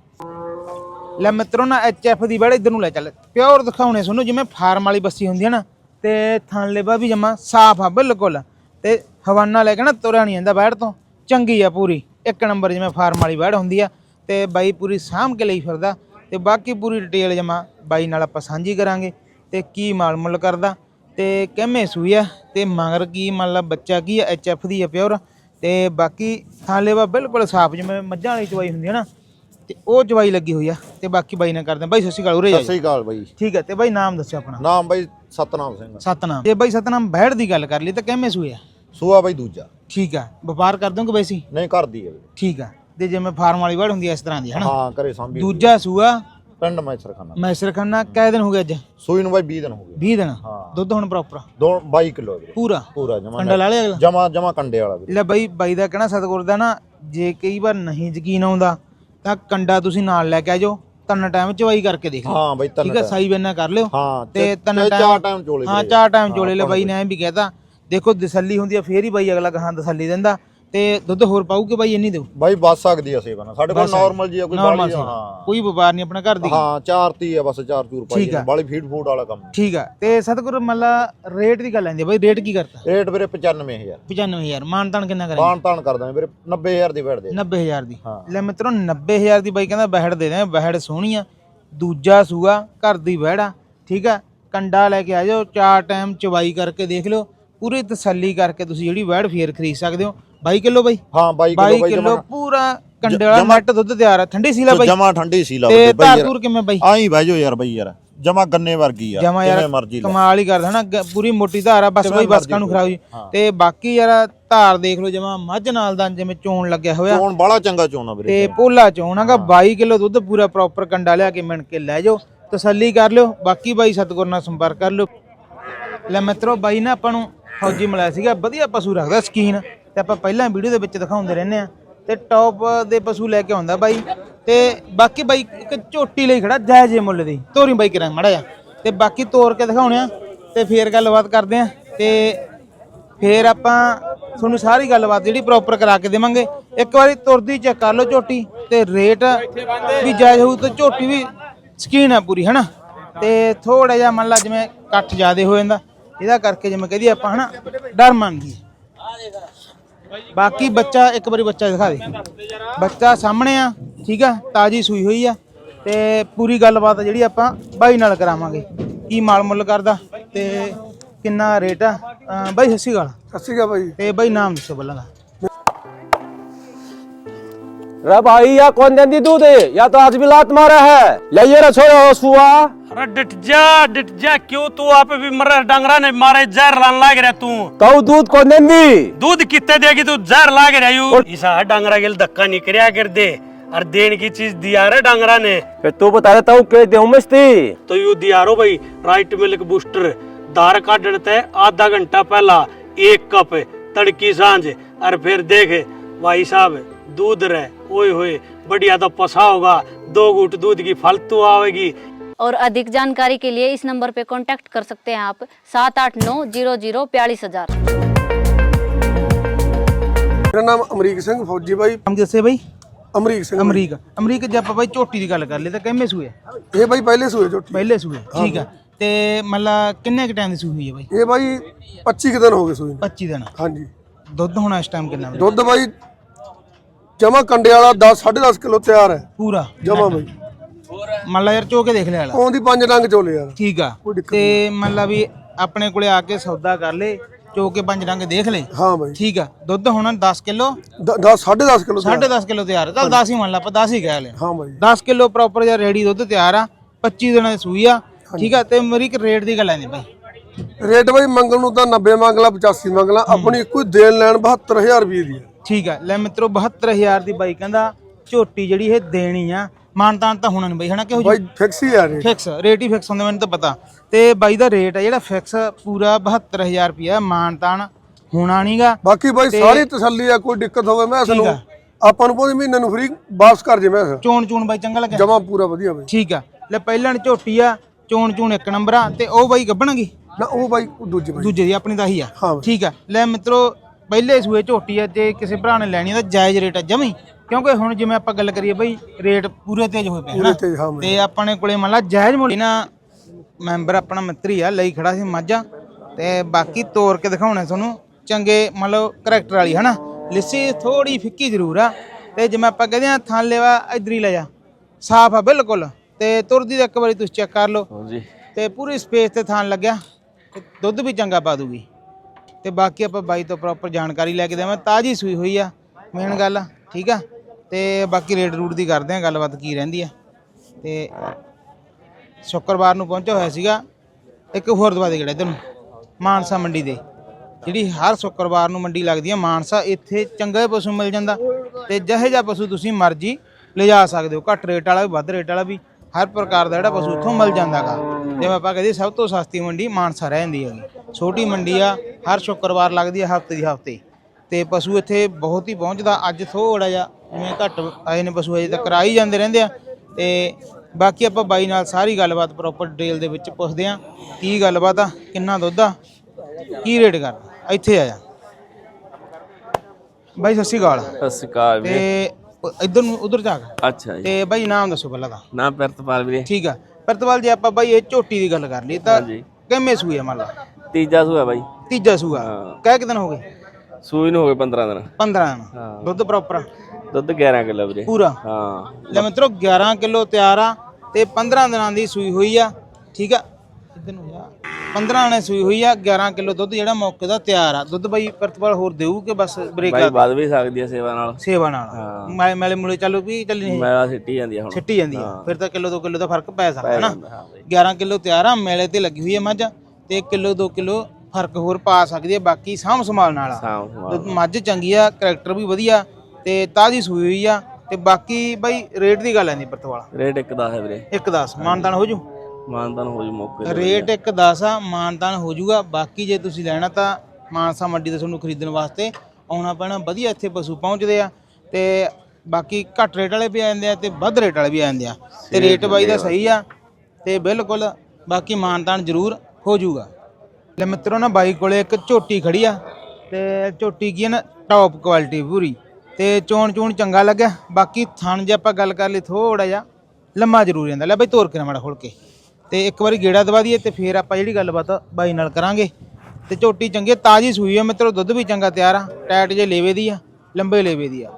S2: ਲੈ ਮਿੱਤਰੋ ਨਾ ਐਚ ਐਫ ਦੀ ਬੜਾ ਇੱਧਰ ਨੂੰ ਲੈ ਚੱਲ। ਪਿਓਰ ਦਿਖਾਉਣੇ ਤੁਹਾਨੂੰ ਜਿਵੇਂ ਫਾਰਮ ਵਾਲੀ ਬੱਸੀ ਹੁੰਦੀ ਹੈ ਨਾ। ਤੇ ਥਣ ਲੇਵਾ ਵੀ ਜਮਾ ਸਾਫ ਆ ਬਿਲਕੁਲ। ਤੇ ਹਵਾਨਾ ਲੈ ਕੇ ਨਾ ਤੁਰਿਆ ਨਹੀਂ ਜਾਂਦਾ ਬੈੜ ਤੋਂ। ਚੰਗੀ ਆ ਪੂਰੀ ਇੱਕ ਨੰਬਰ ਜਿਵੇਂ ਫਾਰਮ ਵਾਲੀ ਬੈੜ ਹੁੰਦੀ ਆ। ਤੇ ਬਾਈ ਪੂਰੀ ਸਾਂਭ ਕੇ ਲਈ ਫਿਰਦਾ। ਤੇ ਬਾਕੀ ਪੂਰੀ ਡਿਟੇਲ ਜਮਾ ਬਾਈ ਨਾਲ ਆਪਾਂ ਸਾਂਝੀ ਕਰਾਂਗੇ। ਤੇ ਕੀ ਮਾਲ ਮੁੱਲ ਕਰਦਾ ਤੇ ਕਿਵੇਂ ਸੂਈ ਆ ਤੇ ਮਗਰ ਕੀ ਮੰਨ ਲਾ ਬੱਚਾ ਕੀ ਆ, ਐਚ ਐਫ ਦੀ ਆ ਪਿਓਰ। ਤੇ ਬਾਕੀ ਥਣ ਲੇਵਾ ਬਿਲਕੁਲ ਸਾਫ ਜਿਵੇਂ ਮੱਝਾਂ ਵਾਲੀ ਚਵਾਈ ਹੁੰਦੀ ਹੈ ਨਾ, ਤੇ ਉਹ ਚਵਾਈ ਲੱਗੀ ਹੋਈ ਆ। ਤੇ ਬਾਕੀ ਬਾਈ ਨਾਲ ਕਰਦੇ ਆ। ਬਾਈ ਸਤਿ ਸ਼੍ਰੀ ਅਕਾਲ। ਉਰੇ
S1: ਸਤਿ
S2: ਜਾ।
S1: ਸ੍ਰੀ ਅਕਾਲ ਬਾਈ।
S2: ਠੀਕ ਹੈ। ਤੇ ਬਾਈ ਨਾਮ ਦੱਸੋ ਆਪਣਾ।
S1: ਨਾਮ ਬਾਈ ਸਤਨਾਮ ਸਿੰਘ।
S2: ਸਤਨਾਮ। ਤੇ ਬਾਈ ਸਤਨਾਮ ਬੈੜ ਦੀ ਗੱਲ ਕਰ ਲਈ ਤਾਂ ਕਿਵੇਂ ਸੂਏ ਆ?
S1: ਸੂਆ ਬਾਈ ਦੂਜਾ।
S2: ਠੀਕ ਆ। ਵਪਾਰ ਕਰ ਦੋਗੇ ਵੈਸੇ?
S1: ਨਹੀਂ ਕਰਦੀ ਹੈ ਵੀਰੇ।
S2: ਠੀਕ ਆ। ਤੇ ਜਿਵੇਂ ਫਾਰਮ ਵਾਲੀ ਬੈੜ ਹੁੰਦੀ ਆ ਇਸ ਤਰ੍ਹਾਂ ਦੀ ਹੈ ਨਾ?
S1: ਹਾਂ ਘਰੇ ਸਾਂਭੀ।
S2: ਦੂਜਾ ਸੂਆ
S1: ਪਿੰਡ ਮੈਸਰਖਾਨਾ।
S2: ਮੈਸਰਖਾਨਾ। ਕਿੰਨੇ ਦਿਨ ਹੋ ਗਏ ਅੱਜ?
S1: ਸੂਈ ਨੂੰ ਬਾਈ ਵੀਹ ਦਿਨ ਹੋ ਗਏ।
S2: ਵੀਹ ਦਿਨ।
S1: ਹਾਂ।
S2: ਦੁੱਧ ਹੁਣ ਪ੍ਰੋਪਰ
S1: ਦੋ ਬਾਈ ਕਿਲੋ ਵੀਰੇ।
S2: ਪੂਰਾ
S1: ਪੂਰਾ ਜਮਾ
S2: ਕੰਡਾ ਲਾ ਲਿਆ ਅਗਲਾ?
S1: ਜਮਾ ਜਮਾ ਕੰਡੇ ਵਾਲਾ ਵੀਰੇ।
S2: ਲੈ ਬਾਈ ਬਾਈ ਦਾ ਕਹਿਣਾ ਸਤਿਗੁਰ ਦਾ ਨਾ, ਜੇ ਕਈ ਵਾਰ ਨਹੀਂ ਯਕੀਨ ਆਉਂਦਾ ਤਾਂ ਕੰਡਾ ਤੁਸੀਂ ਨਾਲ ਲੈ ਕੇ ਆ ਜਾਓ। ਤਿੰਨ ਟਾਈਮ ਚਵਾਈ ਕਰਕੇ ਦੇਖ ਲਿਓ।
S1: ਹਾਂ ਬਾਈ ਤਿੰਨ
S2: ਠੀਕ ਆ। ਸਾਈ ਬੈਨਾ ਕਰ ਲਿਓ।
S1: ਹਾਂ
S2: ਤੇ ਤਿੰਨ
S1: ਤੇ
S2: ਟਾਈਮ
S1: ਚਾਰ ਟਾਈਮ ਚੋਲੇ
S2: ਹਾਂ ਚਾਰ ਟਾਈਮ ਚੋਲੇ। ਲੈ ਬਾਈ ਨੇ ਐਂ ਵੀ ਕਹਿਤਾ ਦੇਖੋ ਤਸੱਲੀ ਹੁੰਦੀ ਆ ਫੇਰ ਹੀ ਬਾਈ ਅਗਲਾ ਕਹਾਂ ਤਸੱਲੀ ਦਿੰਦਾ। ਤੇ ਦੁੱਧ ਹੋਰ ਪਾਊ ਕਿ ਬਾਈ ਇੰਨੀ ਦਿਓ?
S1: ਬਾਈ ਬਸ ਸਕਦੀ ਆ ਸੇਵਾ ਨਾਲ। ਸਾਡੇ ਕੋਲ ਨਾਰਮਲ ਜੀ ਆ ਕੋਈ ਬਾਲੀ। ਹਾਂ
S2: ਕੋਈ ਵਪਾਰ ਨਹੀਂ ਆਪਣਾ ਘਰ ਦੀ।
S1: ਹਾਂ ਚਾਰ ਤੀ ਆ ਬਸ, ਚਾਰ ਚੂਰ ਪਾਈ
S2: ਠੀਕ ਆ।
S1: ਬਾਲੀ ਫੀਡ ਫੂਡ ਵਾਲਾ ਕੰਮ।
S2: ਠੀਕ ਆ। ਤੇ ਸਤਿਗੁਰ ਮੱਲਾ ਰੇਟ ਦੀ ਗੱਲ ਆਂਦੀ ਬਾਈ, ਰੇਟ ਕੀ ਕਰਤਾ?
S1: ਰੇਟ ਵੀਰੇ ਪਚਾਨਵੇਂ ਹਜ਼ਾਰ।
S2: ਪਚਾਨਵੇਂ ਹਜ਼ਾਰ। ਮਾਨਤਾਨ ਕਿੰਨਾ ਕਰੇ?
S1: ਬਾਣ ਤਾਣ ਕਰਦਾ ਵੀਰੇ ਨੱਬੇ ਹਜ਼ਾਰ ਦੀ ਬੈਠ ਦੇ।
S2: ਨੱਬੇ ਹਜ਼ਾਰ ਦੀ।
S1: ਹਾਂ।
S2: ਲੈ ਮਿੱਤਰੋ ਨੱਬੇ ਹਜ਼ਾਰ ਦੀ ਬਾਈ ਕਹਿੰਦਾ ਬਹਿੜ ਦੇ ਦੇ। ਬਹਿੜ ਸੋਹਣੀ ਆ, ਦੂਜਾ ਸੂਆ, ਘਰ ਦੀ ਬਹਿੜ ਆ। ਠੀਕ ਆ। ਕੰਡਾ ਲੈ ਕੇ ਆ ਜਾਓ, ਚਾਰ ਟਾਈਮ ਚਵਾਈ ਕਰਕੇ ਦੇਖ ਲਿਓ, ਪੂਰੀ ਤਸੱਲੀ ਕਰਕੇ ਤੁਸੀਂ ਜਿਹੜੀ ਬਹਿੜ ਫੇਰ ਖਰੀਦ ਸਕਦੇ ਹੋ। ਬਾਈ ਕਿਲੋ ਬਾਈ?
S1: ਹਾਂ ਬਾਈ
S2: ਬਾਈ
S1: ਕਿਲੋ
S2: ਕਿਲੋ ਪੂਰਾ ਕੰਡੇ ਵਾਲਾ ਨੱਟ ਦੁੱਧ ਤਿਆਰ ਆ। ਠੰਡੀ ਸੀਲਾ ਬਾਈ?
S1: ਜਮਾ ਠੰਡੀ ਸੀਲਾ
S2: ਤੇ
S1: ਬਾਈ
S2: ਧਾਰ
S1: ਯਾਰ।
S2: ਧੂਰ ਕਿਵੇਂ ਬਾਈ?
S1: ਆਈ ਬਹਿ ਜਾਓ ਯਾਰ ਬਾਈ ਯਾਰ, ਜਮਾ ਗੰਨੇ ਵਰਗੀ ਆ।
S2: ਜਮਾ ਯਾਰ
S1: ਮਰਜੀ
S2: ਕਮਾਲ ਹੀ ਕਰਦਾ ਹਨਾ। ਪੂਰੀ ਮੋਟੀ ਧਾਰ ਆ। ਬਸ ਬਾਈ ਬਸ ਕਾਨੂੰ ਖਰਾਬ ਜੀ। ਤੇ ਬਾਕੀ ਯਾਰ ਧਾਰ ਦੇਖ ਲਓ ਜਮਾ ਮੱਝ ਨਾਲ ਦਾ ਜਿਵੇਂ ਚੋਣ ਲੱਗਿਆ ਹੋਇਆ।
S1: ਚੋਣ ਬੜਾ ਚੰਗਾ ਚੋਣਾ ਵੀਰੇ।
S2: ਤੇ ਪੋਲਾ ਚੋਣ ਹੈਗਾ। ਬਾਈ ਕਿਲੋ ਦੁੱਧ ਪੂਰਾ ਪ੍ਰੋਪਰ ਕੰਡਾ ਲਿਆ ਕੇ ਮਿਣ ਕੇ ਲੈ ਜਾਓ, ਤਸੱਲੀ ਕਰ ਲਿਓ। ਬਾਕੀ ਬਾਈ ਸਤਿਗੁਰ ਨਾਲ ਸੰਪਰਕ ਕਰ ਲਿਓ। ਲੈ ਮਿੱਤਰੋ ਬਾਈ ਨਾ ਆਪਾਂ ਨੂੰ ਫੌਜੀ ਮਿਲਿਆ ਸੀਗਾ, ਵਧੀਆ ਪਸ਼ੂ ਰੱਖਦਾ ਸਕੀਨ। ਤੇ ਆਪਾਂ ਪਹਿਲਾਂ ਵੀਡੀਓ ਦੇ ਵਿੱਚ ਦਿਖਾਉਂਦੇ ਰਹਿੰਦੇ ਆ। ਤੇ ਟੌਪ ਦੇ ਪਸ਼ੂ ਲੈ ਕੇ ਆਉਂਦਾ ਬਾਈ। ਤੇ ਬਾਕੀ ਬਾਈ ਇੱਕ ਝੋਟੀ ਲਈ ਖੜਾ ਜਾਇਜ਼ ਜਿਹੇ ਮੁੱਲ ਦੀ। ਤੋਰੀ ਬਾਈ ਕਰਾਂ ਮਾੜਾ ਜਿਹਾ ਤੇ ਬਾਕੀ ਤੋਰ ਕੇ ਦਿਖਾਉਣੇ ਆ ਤੇ ਫੇਰ ਗੱਲਬਾਤ ਕਰਦੇ ਆ। ਤੇ ਫੇਰ ਆਪਾਂ ਤੁਹਾਨੂੰ ਸਾਰੀ ਗੱਲਬਾਤ ਜਿਹੜੀ ਪ੍ਰੋਪਰ ਕਰਾ ਕੇ ਦੇਵਾਂਗੇ। ਇੱਕ ਵਾਰੀ ਤੁਰਦੀ ਚੈੱਕ ਕਰ ਲਓ ਝੋਟੀ ਤੇ ਰੇਟ ਵੀ ਜਾਇਜ਼ ਹੋਊ ਤੇ ਝੋਟੀ ਵੀ ਸਕੀਨ ਆ ਪੂਰੀ ਹਨਾ। ਤੇ ਥੋੜਾ ਜਿਹਾ ਮੰਨ ਲਾ ਜਿਵੇਂ ਇਕੱਠ ਜ਼ਿਆਦੇ ਹੋ ਜਾਂਦਾ, ਇਹਦਾ ਕਰਕੇ ਜਿਵੇਂ ਕਹਦੀ ਆਪਾਂ ਹਨਾ ਡਰ ਮੰਨਦੀ। ਬਾਕੀ ਬੱਚਾ ਇੱਕ ਵਾਰੀ ਬੱਚਾ ਦਿਖਾ ਦੇ। ਬੱਚਾ ਸਾਹਮਣੇ ਆ। ਠੀਕ ਆ। ਤਾਜੀ ਸੂਈ ਹੋਈ ਆ। ਤੇ ਪੂਰੀ ਗੱਲਬਾਤ ਜਿਹੜੀ ਆਪਾਂ ਬਾਈ ਨਾਲ ਕਰਾਵਾਂਗੇ। ਕੀ ਮਾਲ ਮੁੱਲ ਕਰਦਾ ਤੇ ਕਿੰਨਾ ਰੇਟ ਆ। ਬਾਈ ਸਤਿ ਸ਼੍ਰੀ ਅਕਾਲ।
S7: ਸਤਿ ਸ਼੍ਰੀ ਅਕਾਲ ਭਾਈ।
S2: ਤੇ ਬਾਈ ਨਾਮ ਦੱਸੋ ਪਹਿਲਾਂ ਦਾ।
S7: रे भाई या कौन देंदी दूध है या तो आज भी लात मारा है ले ये रे छोरो सुआ अरे डिट जा डिट जा क्यों तू आप भी मर डंगरा ने मारे जहर लान लाग रहा तू
S8: ताऊ दूध को देंगी
S7: दूध कितने देगी तू जहर लाग रहा यू इसा डंगरा के धक्का नहीं करया कर दे और देने की चीज दिया रे डंगरा ने
S8: फिर तू बता रहे ताऊ के देऊं मस्ती
S7: तो यू दिया रो भाई राइट मिल्क बूस्टर दार का डरते आधा घंटा पहला एक कप तड़की सांझ और फिर देख भाई साहब दूध रहे ओए होए बढ़िया तो पसा होगा दो घूट दूध की फालतू आवेगी।
S9: और अधिक जानकारी के लिए इस नंबर पे कांटेक्ट कर सकते हैं आप सात आठ नौ जीरो जीरो बयालीस हजार।
S10: मेरा नाम अमरीक सिंह फौजी भाई
S2: ਨਾਮ ਦੱਸੇ ਬਾਈ
S10: ਅਮਰੀਕ ਸਿੰਘ
S2: ਅਮਰੀਕ ਅਮਰੀਕ ਜੇ ਆਪਾਂ ਬਾਈ ਝੋਟੀ ਦੀ ਗੱਲ ਕਰ ਲਈ ਤਾਂ ਕਿੰਨੇ ਸੂਏ
S10: ਇਹ ਬਾਈ ਪਹਿਲੇ ਸੂਏ ਝੋਟੀ
S2: ਪਹਿਲੇ ਸੂਏ ਠੀਕ ਆ ਤੇ ਮਤਲਬ ਕਿੰਨੇ ਕ ਟਾਈਮ ਦੀ ਸੂਈ ਹੋਈ ਹੈ ਬਾਈ
S10: ਇਹ ਬਾਈ ਪੱਚੀ ਕੁ ਦਿਨ ਹੋ ਗਏ ਸੂਈ ਨੂੰ।
S2: ਪੱਚੀ ਦਿਨ
S10: ਹਾਂਜੀ
S2: ਦੁੱਧ ਹੁਣ ਇਸ ਟਾਈਮ ਕਿੰਨਾ
S10: ਦੁੱਧ ਬਾਈ ਜਮਾ ਕੰਡੇ ਵਾਲਾ ਦਸ ਸਾਢੇ ਦਸ ਕਿਲੋ ਤਿਆਰ ਹੈ
S2: ਪੂਰਾ
S10: ਜਮਾ ਬਾਈ
S2: ਮਤਲਬ ਯਾਰ ਚੋ ਕੇ ਦੇਖ ਲਿਆ ਵਾਲਾ
S10: ਆਉਂਦੀ ਪੰਜ ਡੰਗ ਚੋਲੇ ਯਾਰ
S2: ਠੀਕ ਆ ਤੇ ਮਤਲਬ ਵੀ ਆਪਣੇ ਕੋਲੇ ਆ ਕੇ ਸੌਦਾ ਕਰ ਲੇ ਚੋ ਕੇ ਪੰਜ ਡੰਗ ਦੇਖ ਲੈ
S10: ਹਾਂ ਬਾਈ
S2: ਠੀਕ ਆ ਦੁੱਧ ਹੁਣ ਦਸ ਕਿਲੋ
S10: ਦਸ ਸਾਢੇ ਦਸ ਕਿਲੋ
S2: ਸਾਢੇ ਦਸ ਕਿਲੋ ਤਿਆਰ ਚੱਲ ਦਸ ਹੀ ਮੰਨ ਲਾ ਆਪਾਂ ਦਸ ਹੀ ਕਹਿ ਲਿਆ
S10: ਹਾਂ ਬਾਈ
S2: ਦਸ ਕਿਲੋ ਪ੍ਰੋਪਰ ਜਾਂ ਰੈਡੀ ਦੁੱਧ ਤਿਆਰ ਆ ਪੱਚੀ ਦਿਨਾਂ ਦੀ ਸੂਈ ਆ ਠੀਕ ਆ ਤੇ ਮੇਰੀ ਇੱਕ ਰੇਟ ਦੀ ਗੱਲ ਆਂਦੀ ਬਾਈ
S10: ਰੇਟ ਬਾਈ ਮੰਗਣ ਨੂੰ ਤਾਂ ਨੱਬੇ ਮੰਗ ਲਾ ਪਚਾਸੀ ਮੰਗ ਲਾ ਆਪਣੀ ਇੱਕੋ ਹੀ ਦੇਣ ਲੈਣ ਬਹੱਤਰ ਹਜ਼ਾਰ ਰੁਪਏ ਦੀ ਹੈ
S2: ਠੀਕ ਆ ਲੈ ਮਿੱਤਰੋ ਬਹੱਤਰ ਹਜ਼ਾਰ ਦੀ ਬਾਈ ਕਹਿੰਦਾ ਝੋਟੀ ਜਿਹੜੀ ਇਹ ਦੇਣੀ ਆ ਮਾਨਤਾਨ ਤਾਂ ਹੋਣਾ ਨਹੀਂ ਬਾਈ ਹਨਾ ਕਿਹੋ
S10: ਬਾਈ ਫਿਕਸ ਹੀ ਆ ਰੇਟ
S2: ਫਿਕਸ ਰੇਟ ਹੀ ਫਿਕਸ ਹੁੰਦਾ ਮੈਨੂੰ ਤਾਂ ਪਤਾ ਤੇ ਬਾਈ ਦਾ ਰੇਟ ਆ ਜਿਹੜਾ ਫਿਕਸ ਪੂਰਾ ਬਹੱਤਰ ਹਜ਼ਾਰ ਰੁਪਿਆ ਮਾਨਤਾਨ ਹੋਣਾ ਨਹੀਂਗਾ
S10: ਬਾਕੀ ਬਾਈ ਸਾਰੀ ਤਸੱਲੀ ਆ ਕੋਈ ਦਿੱਕਤ ਹੋਵੇ ਮੈਂ ਸਾਨੂੰ ਆਪਾਂ ਨੂੰ ਪੂਰੇ ਮਹੀਨੇ ਨੂੰ ਫ੍ਰੀ ਵਾਪਸ ਕਰ ਜੇ ਮੈਂ
S2: ਚੋਣ ਚੋਣ ਬਾਈ ਚੰਗਾ ਲੱਗਿਆ
S10: ਜਮਾ ਪੂਰਾ ਵਧੀਆ ਬਾਈ
S2: ਠੀਕ ਆ ਲੈ ਪਹਿਲਾਂ ਝੋਟੀ ਆ ਚੋਣ ਚੋਣ ਇੱਕ ਨੰਬਰ ਆ ਤੇ ਉਹ ਬਾਈ ਗੱਭਣਗੀ
S10: ਨਾ ਉਹ ਬਾਈ ਦੂਜੇ ਬਾਈ
S2: ਦੂਜੇ ਦੀ ਆਪਣੀ ਦਾ ਹੀ ਆ
S10: ਹਾਂ
S2: ਠੀਕ ਆ ਲੈ ਮਿੱਤਰੋ ਪਹਿਲੇ ਸੂਏ ਝੋਟੀ ਆ ਤੇ ਕਿਸੇ ਭਰਾ ਨੇ ਲੈਣੀ ਆ ਤਾਂ ਜਾਇਜ਼ ਰੇਟ ਆ ਜਮੀ ਕਿਉਂਕਿ ਹੁਣ ਜਿਵੇਂ ਆਪਾਂ ਗੱਲ ਕਰੀਏ ਬਈ ਰੇਟ ਪੂਰੇ ਤੇਜ਼ ਹੋਏ ਪਏ ਹਨ ਤੇ ਆਪਣੇ ਕੋਲੇ ਮੰਨ ਲਾ ਜਾਇਜ਼ ਮੁੱਲ ਨਾ ਮੈਂਬਰ ਆਪਣਾ ਮਿੱਤਰੀ ਆ ਲਈ ਖੜਾ ਸੀ ਮਾਝਾ ਤੇ ਬਾਕੀ ਤੋੜ ਕੇ ਦਿਖਾਉਣੇ ਤੁਹਾਨੂੰ ਚੰਗੇ ਮਤਲਬ ਕਰੈਕਟਰ ਵਾਲੀ ਹਨਾ ਲਿੱਸੀ ਥੋੜੀ ਫਿੱਕੀ ਜ਼ਰੂਰ ਆ ਤੇ ਜਿਵੇਂ ਆਪਾਂ ਕਹਦੇ ਆ ਥਾਂ ਲੈਵਾ ਇਧਰ ਹੀ ਲੈ ਜਾ ਸਾਫ ਆ ਬਿਲਕੁਲ ਤੇ ਤੁਰਦੀ ਦਾ ਇੱਕ ਵਾਰੀ ਤੁਸੀਂ ਚੈੱਕ ਕਰ ਲਓ
S6: ਹਾਂਜੀ
S2: ਤੇ ਪੂਰੀ ਸਪੇਸ ਤੇ ਥਾਂ ਲੱਗਿਆ ਤੇ ਦੁੱਧ ਵੀ ਚੰਗਾ ਪਾ ਦੂਗੀ ਤੇ ਬਾਕੀ ਆਪਾਂ ਬਾਈ ਤੋਂ ਪ੍ਰੋਪਰ ਜਾਣਕਾਰੀ ਲੈ ਕੇ ਦੇਵਾਂ ਤਾਜ਼ੀ ਸੂਈ ਹੋਈ ਆ ਮੇਨ ਗੱਲ ਠੀਕ ਆ ਤੇ ਬਾਕੀ ਰੇਟ ਰੂਟ ਦੀ ਕਰਦੇ ਆ ਗੱਲਬਾਤ ਕੀ ਰਹਿੰਦੀ ਆ ਤੇ ਸ਼ੁੱਕਰਵਾਰ ਨੂੰ ਪਹੁੰਚਿਆ ਹੋਇਆ ਸੀਗਾ ਇੱਕ ਹੋਰ ਦਵਾ ਦੇ ਗੜਾ ਇੱਧਰ ਨੂੰ ਮਾਨਸਾ ਮੰਡੀ ਦੇ ਜਿਹੜੀ ਹਰ ਸ਼ੁੱਕਰਵਾਰ ਨੂੰ ਮੰਡੀ ਲੱਗਦੀ ਆ ਮਾਨਸਾ ਇੱਥੇ ਚੰਗਾ ਪਸ਼ੂ ਮਿਲ ਜਾਂਦਾ ਤੇ ਜਿਹੇ ਜਿਹਾ ਪਸ਼ੂ ਤੁਸੀਂ ਮਰਜ਼ੀ ਲਿਜਾ ਸਕਦੇ ਹੋ ਘੱਟ ਰੇਟ ਵਾਲਾ ਵੀ ਵੱਧ ਰੇਟ ਵਾਲਾ ਵੀ ਹਰ ਪ੍ਰਕਾਰ ਦਾ ਜਿਹੜਾ ਪਸ਼ੂ ਇੱਥੋਂ ਮਿਲ ਜਾਂਦਾਗਾ ਜਿਵੇਂ ਆਪਾਂ ਕਹਦੇ ਸਭ ਤੋਂ ਸਸਤੀ ਮੰਡੀ ਮਾਨਸਾ ਰਹਿੰਦੀ ਹੈਗੀ ਛੋਟੀ ਮੰਡੀ ਆ ਹਰ ਸ਼ੁੱਕਰਵਾਰ ਲੱਗਦੀ ਆ ਹਫਤੇ ਦੀ ਹਫਤੇ ਤੇ ਪਸ਼ੂ ਇੱਥੇ ਬਹੁਤ ਹੀ ਪਹੁੰਚਦਾ ਅੱਜ ਥੋੜਾ ਜਿਹਾ ਜਿਵੇਂ ਘੱਟ ਆਏ ਨੇ ਪਸ਼ੂ ਅਜੇ ਤੱਕ ਆਈ ਜਾਂਦੇ ਰਹਿੰਦੇ ਆ ਤੇ ਬਾਕੀ ਆਪਾਂ ਬਾਈ ਨਾਲ ਸਾਰੀ ਗੱਲਬਾਤ ਪ੍ਰੋਪਰ ਡਿਟੇਲ ਦੇ ਵਿੱਚ ਪੁੱਛਦੇ ਆ ਕੀ ਗੱਲਬਾਤ ਆ ਕਿੰਨਾ ਦੁੱਧ ਆ ਕੀ ਰੇਟ ਕਰਦਾ ਇੱਥੇ ਆਇਆ ਬਾਈ ਸਤਿ ਸ਼੍ਰੀ ਅਕਾਲ
S6: ਸਤਿ ਸ਼੍ਰੀ ਅਕਾਲ ਵੀਰੇ
S2: ਤੇ ਇੱਧਰ ਨੂੰ ਉਧਰ ਜਾ ਕੇ
S6: ਅੱਛਾ ਜੀ
S2: ਤੇ ਬਾਈ ਨਾਮ ਦੱਸੋ ਪਹਿਲਾਂ ਦਾ
S6: ਨਾਮ ਪ੍ਰਿਤਪਾਲ ਵੀਰੇ
S2: ਠੀਕ ਆ ਪ੍ਰਿਤਪਾਲ ਜੀ ਆਪਾਂ ਬਾਈ ਇਹ ਝੋਟੀ ਦੀ ਗੱਲ ਕਰ ਲਈ ਤਾਂ ਕਿੰਨੇ ਸੂਏ ਮੰਨ ਲਾ
S6: ਤੀਜਾ ਸੂਆ ਬਾਈ
S2: ਤੀਜਾ ਸੂਆ ਕਹਿ ਕਿ ਦਿਨ ਹੋ ਗਏ
S6: ਸੂਈ ਨੂੰ ਹੋ ਗਏ ਪੰਦਰਾਂ ਦਿਨ
S2: ਪੰਦਰਾਂ ਦਿਨ ਦੁੱਧ ਪ੍ਰੋਪਰ
S6: ਦੁੱਧ ਗਿਆਰਾਂ ਕਿਲੋ ਵੀਰੇ
S2: ਪੂਰਾ
S6: ਹਾਂ
S2: ਲੈ ਮਿੱਤਰੋ ਗਿਆਰਾਂ ਕਿਲੋ ਤਿਆਰ ਆ ਤੇ ਪੰਦਰਾਂ ਦਿਨਾਂ ਦੀ ਸੂਈ ਹੋਈ ਆ ਠੀਕ ਆ ਇੱਧਰ ਨੂੰ ਜਾ ਪੰਦਰਾਂ ਨੇ ਸੂਈ ਹੋਈ ਆ ਗਿਆਰਾਂ ਕਿਲੋ ਦੁੱਧ ਜਿਹੜਾ ਮੌਕੇ ਦਾ ਤਿਆਰ ਆ ਦੁੱਧ ਬਾਈ ਪ੍ਰਿਤਪਾਲ ਹੋਰ ਦੇਊ ਕਿ ਬਸ ਬ੍ਰੇਕ
S6: ਬਾਈ ਵੱਧ ਵੀ ਸਕਦੀ ਆ ਸੇਵਾ ਨਾਲ
S2: ਸੇਵਾ ਨਾਲ ਮੈਂ ਮੈਲੇ ਮੁਲੇ ਚੱਲੋ ਵੀ ਚੱਲੀ ਨਹੀਂ
S6: ਮੈਲਾ ਸਿੱਟੀ ਜਾਂਦੀ ਆ ਹੁਣ
S2: ਸਿੱਟੀ ਜਾਂਦੀ ਆ ਫਿਰ ਤਾਂ ਕਿਲੋ ਦੋ ਕਿਲੋ ਦਾ ਫਰਕ ਪੈ ਸਕਦਾ ਨਾ ਗਿਆਰਾਂ ਕਿਲੋ ਤਿਆਰ ਆ ਮੇਲੇ ਤੇ ਲੱਗੀ ਹੋਈ ਆ ਮੱਝ ਤੇ ਕਿਲੋ ਦੋ ਕਿਲੋ ਫਰਕ ਹੋਰ ਪਾ ਸਕਦੀ ਹੈ ਬਾਕੀ ਸਾਂਭ ਸੰਭਾਲ ਨਾਲ ਆ ਮੱਝ ਚੰਗੀ ਆ ਕਰੈਕਟਰ ਵੀ ਵਧੀਆ ਤੇ ਤਾਜ਼ੀ ਸੂਈ ਹੋਈ ਆ ਤੇ ਬਾਕੀ ਬਾਈ ਰੇਟ ਦੀ ਗੱਲ ਆਂਦੀ ਪ੍ਰਿਤਪਾਲ
S6: ਰੇਟ ਇੱਕ ਦਸ ਹੈ ਵੀਰੇ
S2: ਇੱਕ ਦਸ ਮਾਨਤਾਨ ਹੋ ਜੂ
S6: ਮਾਨਤਾਨ ਹੋ ਜੂ ਮੌਕੇ
S2: ਰੇਟ ਇੱਕ ਦਸ ਆ ਮਾਨਤਾਨ ਹੋ ਜੂਗਾ ਬਾਕੀ ਜੇ ਤੁਸੀਂ ਲੈਣਾ ਤਾਂ ਮਾਨਸਾ ਮੰਡੀ ਤੋਂ ਤੁਹਾਨੂੰ ਖਰੀਦਣ ਵਾਸਤੇ ਆਉਣਾ ਪੈਣਾ ਵਧੀਆ ਇੱਥੇ ਪਸ਼ੂ ਪਹੁੰਚਦੇ ਆ ਤੇ ਬਾਕੀ ਘੱਟ ਰੇਟ ਵਾਲੇ ਵੀ ਆ ਜਾਂਦੇ ਆ ਤੇ ਵੱਧ ਰੇਟ ਵਾਲੇ ਵੀ ਆ ਜਾਂਦੇ ਆ ਤੇ ਰੇਟ ਬਾਈ ਦਾ ਸਹੀ ਆ ਤੇ ਬਿਲਕੁਲ ਬਾਕੀ ਮਾਨਤਾਨ ਜ਼ਰੂਰ ਹੋ ਜੂਗਾ ਲੈ ਮਿੱਤਰੋ ਨਾ ਬਾਈ ਕੋਲੇ ਇੱਕ ਝੋਟੀ ਖੜੀ ਆ ਤੇ ਝੋਟੀ ਕੀ ਹੈ ਨਾ ਟੌਪ ਕੁਆਲਿਟੀ ਪੂਰੀ ਤੇ ਚੋਣ ਚੋਣ ਚੰਗਾ ਲੱਗਿਆ ਬਾਕੀ ਥਣ ਜੇ ਆਪਾਂ ਗੱਲ ਕਰ ਲਈ ਥੋੜਾ ਜਿਹਾ ਲੰਮਾ ਜ਼ਰੂਰ ਜਾਂਦਾ ਲੈ ਬਾਈ ਤੋਰ ਕੇ ਨਾ ਮਾੜਾ ਖੋਲ ਕੇ ਤੇ ਇੱਕ ਵਾਰੀ ਗੇੜਾ ਦਵਾ ਦਈਏ ਤੇ ਫੇਰ ਆਪਾਂ ਜਿਹੜੀ ਗੱਲਬਾਤ ਬਾਈ ਨਾਲ ਕਰਾਂਗੇ ਤੇ ਝੋਟੀ ਚੰਗੀ ਤਾਜ਼ੀ ਸੂਈ ਆ ਮਿੱਤਰੋ ਦੁੱਧ ਵੀ ਚੰਗਾ ਤਿਆਰ ਆ ਟੈਟ ਜੇ ਲੇਵੇ ਦੀ ਆ ਲੰਬੇ ਲੇਵੇ ਦੀ ਆ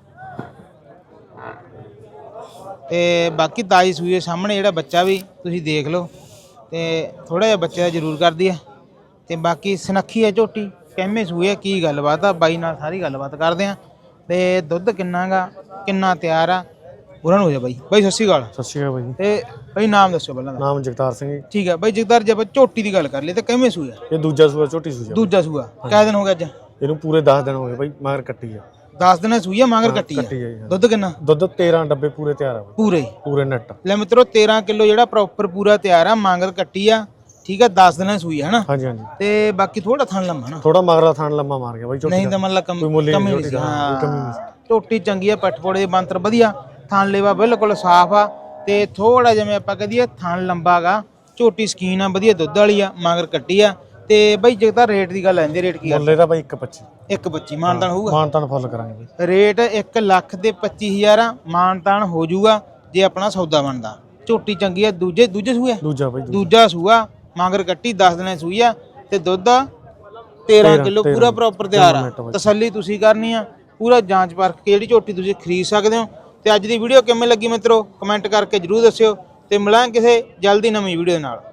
S2: ਤੇ ਬਾਕੀ ਤਾਜ਼ੀ ਸੂਈ ਦੇ ਸਾਹਮਣੇ ਜਿਹੜਾ ਬੱਚਾ ਵੀ ਤੁਸੀਂ ਦੇਖ ਲਓ ਤੇ ਥੋੜਾ ਜਿਹਾ ਬੱਚੇ ਦਾ ਜ਼ਰੂਰ ਕਰਦੀ ਆ ਤੇ ਬਾਕੀ ਸੁਨੱਖੀ ਆ ਝੋਟੀ ਕਿੰਨੇ ਸੂਏ ਆ ਕੀ ਗੱਲਬਾਤ ਆ ਬਾਈ ਨਾਲ ਸਾਰੀ ਗੱਲਬਾਤ ਕਰਦੇ ਆ ਤੇ ਦੁੱਧ ਕਿੰਨਾ ਗਾ ਕਿੰਨਾ ਤਿਆਰ ਆ ਉਹਨਾਂ ਨੂੰ ਹੋ ਜਾ ਬਾਈ ਬਾਈ ਸਤਿ ਸ਼੍ਰੀ ਅਕਾਲ।
S11: ਸਤਿ ਸ਼੍ਰੀ ਅਕਾਲ ਬਾਈ।
S2: ਤੇ ਬਾਈ ਨਾਮ ਦੱਸੋ ਪਹਿਲਾਂ ਦਾ।
S11: ਨਾਮ ਜਗਤਾਰ ਸਿੰਘ ਜੀ।
S2: ਠੀਕ ਹੈ ਬਾਈ ਜਗਤਾਰ, ਜੇ ਆਪਾਂ ਝੋਟੀ ਦੀ ਗੱਲ ਕਰ ਲਈ ਤਾਂ ਕਿਵੇਂ ਸੂਆ?
S11: ਇਹ ਦੂਜਾ ਸੂਆ, ਝੋਟੀ ਸੂਆ।
S2: ਦੂਜਾ ਸੂਆ ਕਿੰਨੇ ਦਿਨ ਹੋ ਗਏ ਅੱਜ?
S11: ਇਹਨੂੰ ਪੂਰੇ ਦਸ ਦਿਨ ਹੋ ਗਏ ਬਾਈ, ਮਗਰ ਕੱਟੀ ਆ।
S2: ਦਸ ਦਿਨਾਂ ਸੂਈ ਆ, ਮਗਰ ਕੱਟੀ ਆ।
S11: ਕੱਟੀ ਆ ਜੀ।
S2: ਦੁੱਧ ਕਿੰਨਾ?
S11: ਦੁੱਧ ਤੇਰਾਂ ਡੱਬੇ ਪੂਰੇ ਤਿਆਰ ਆ ਬਾਈ।
S2: ਪੂਰੇ
S11: ਪੂਰੇ ਨੈਟ।
S2: ਲੈ ਮਿੱਤਰੋ ਤੇਰਾਂ ਕਿਲੋ ਜਿਹੜਾ ਪ੍ਰੋਪਰ ਪੂਰਾ ਤਿਆਰ ਆ, ਮਗਰ ਕੱਟੀ ਆ। ਠੀਕ ਆ, ਦਸ ਦਿਨਾਂ ਸੂਈ ਆ ਹਨਾ।
S11: ਹਾਂਜੀ ਹਾਂਜੀ।
S2: ਤੇ ਬਾਕੀ ਥੋੜਾ ਥਣ ਲੰਮਾ ਨਾ,
S11: ਥੋੜਾ ਮਗਰਾ ਥਣ ਲੰਮਾ ਮਾਰ ਗਿਆ ਬਾਈ ਝੋਟੀ।
S2: ਨਹੀਂ ਤਾਂ ਮਤਲਬ ਕਮ
S11: ਕੋਈ ਮੁੱਲ
S2: ਕਮੀ
S11: ਨਹੀਂ
S2: ਨਹੀਂ
S11: ਝੋਟੀ
S2: ਸੀ।
S11: ਦਾ,
S2: ਹਾਂ
S11: ਕੋਈ ਕਮੀ ਨਹੀਂ ਸੀ।
S2: ਝੋਟੀ ਚੰਗੀ ਆ, ਪੱਠਪੋੜੇ ਦੇ ਬੰਤਰ ਵਧੀਆ, ਥਣ ਲੇਵਾ ਬਿਲਕੁਲ ਸਾਫ਼ ਆ ਤੇ ਥੋੜਾ ਜਿਵੇਂ ਆਪਾਂ ਕਹਦੀਏ ਥਣ ਲੰਬਾਗਾ। ਝੋਟੀ ਸਕੀਨ ਆ, ਵਧੀਆ ਦੁੱਧ ਵਾਲੀ ਆ, ਮਗਰ ਕੱਟੀ ਆ। ਤੇ ਬਾਈ ਜਗਤਾਰ ਰੇਟ ਦੀ ਗੱਲ ਆਂਦੀ, ਰੇਟ ਕੀ ਆ?
S11: ਮੁੱਲ ਇਹਦਾ ਬਾਈ ਇੱਕ ਪੱਚੀ।
S2: ਇੱਕ ਪੱਚੀ ਮਾਨਤਾਨ ਹੋਊਗਾ?
S11: ਮਾਨਤਾਨ ਫੁੱਲ ਕਰਾਂਗੇ ਬਾਈ।
S2: ਰੇਟ ਇੱਕ ਲੱਖ ਤੇ ਪੱਚੀ ਹਜ਼ਾਰ ਆ, ਮਾਨਤਾਨ ਹੋ ਜਾਊਗਾ ਜੇ ਆਪਣਾ ਸੌਦਾ ਬਣਦਾ। ਝੋਟੀ ਚੰਗੀ ਆ, ਦੂਜੇ ਦੂਜੇ ਸੂਏ
S11: ਦੂਜਾ ਬਾਈ।
S2: ਦੂਜਾ ਸੂਆ, ਮਗਰ ਕੱਟੀ ਦਸ ਦਿਨਾਂ ਸੂਈ ਆ ਤੇ ਦੁੱਧ ਤੇਰਾਂ ਕਿਲੋ ਪੂਰਾ ਪ੍ਰੋਪਰ ਤਿਆਰ ਆ। ਤਸੱਲੀ ਤੁਸੀਂ ਕਰਨੀ ਆ, ਪੂਰਾ ਜਾਂਚ ਪਰਖ ਕੇ ਜਿਹੜੀ ਝੋਟੀ ਤੁਸੀਂ ਖਰੀਦ ਸਕਦੇ ਹੋ। ਤੇ ਅੱਜ ਦੀ ਵੀਡੀਓ ਕਿਵੇਂ ਲੱਗੀ ਮਿੱਤਰੋ, ਕਮੈਂਟ ਕਰਕੇ ਜਰੂਰ ਦੱਸਿਓ ਤੇ ਮਿਲਾਂਗੇ ਕਿਸੇ ਜਲਦੀ ਨਵੀਂ ਵੀਡੀਓ ਨਾਲ।